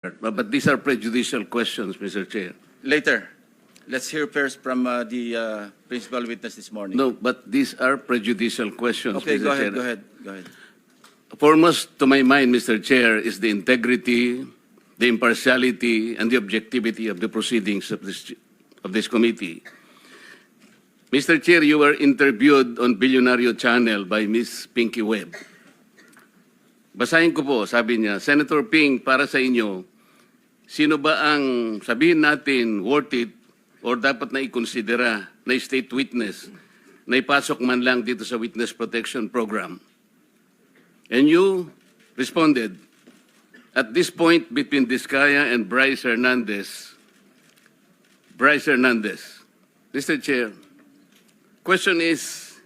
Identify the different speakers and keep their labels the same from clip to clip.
Speaker 1: But these are prejudicial questions, Mr. Chair.
Speaker 2: Later. Let's hear first from the principal witness this morning.
Speaker 1: No, but these are prejudicial questions,
Speaker 2: Okay,
Speaker 1: Mr.
Speaker 2: go ahead,
Speaker 1: Chair.
Speaker 2: go ahead.
Speaker 1: Foremost to my mind, Mr. Chair, is the integrity, the impartiality, and the objectivity of the proceedings of this committee. Mr. Chair, you were interviewed on Billionario Channel by Ms. Pinky Webb. Basahin ko po, sabi niya, Senator Ping, para sa inyo, sino ba ang sabihin natin worth it or dapat na ikonsidera na state witness na ipasok man lang dito sa Witness Protection Program? And you responded, at this point between Diskaya and Bryce Hernandez, Mr. Chair, question is,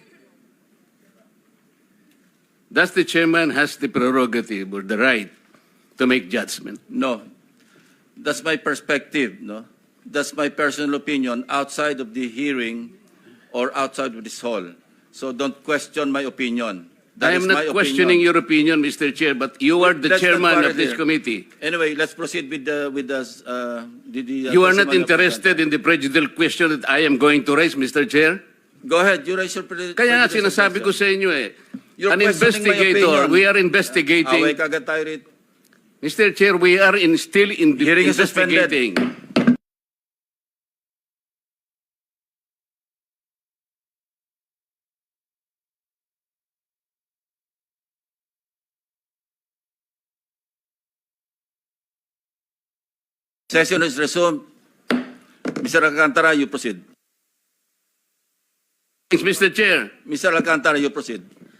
Speaker 1: does the chairman has the prerogative or the right to make judgment?
Speaker 2: No. That's my perspective, no? That's my personal opinion outside of the hearing or outside of this hall. So don't question my opinion.
Speaker 1: I am not questioning your opinion, Mr. Chair, but you are the chairman of this committee.
Speaker 2: Anyway, let's proceed with the
Speaker 1: You are not interested in the prejudicial question that I am going to raise, Mr. Chair?
Speaker 2: Go ahead, you raise your
Speaker 1: Kaya nga sinasabi ko sa inyo
Speaker 2: You're
Speaker 1: an
Speaker 2: questioning my
Speaker 1: investigator,
Speaker 2: opinion.
Speaker 1: we are investigating.
Speaker 2: Away kagad tayo rito.
Speaker 1: Mr. Chair, we are still
Speaker 2: Hearing is suspended.
Speaker 1: investigating.
Speaker 2: Session is resumed. Mr. Alcantara, you proceed.
Speaker 1: Thanks, Mr. Chair.
Speaker 2: Mr. Alcantara, you proceed.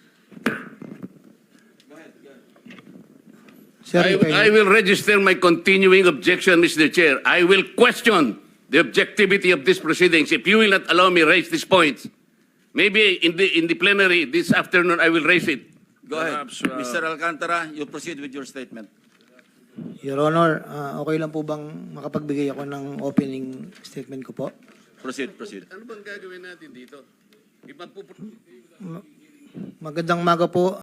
Speaker 1: I will register my continuing objection, Mr. Chair. I will question the objectivity of these proceedings if you will not allow me raise these points. Maybe in the plenary this afternoon I will raise it.
Speaker 2: Go ahead. Mr. Alcantara, you proceed with your statement.
Speaker 3: Your Honor, okay lang po bang makapagbigay ako ng opening statement ko po?
Speaker 2: Proceed.
Speaker 1: Ano bang gagawin natin dito?
Speaker 3: Magandang umaga po.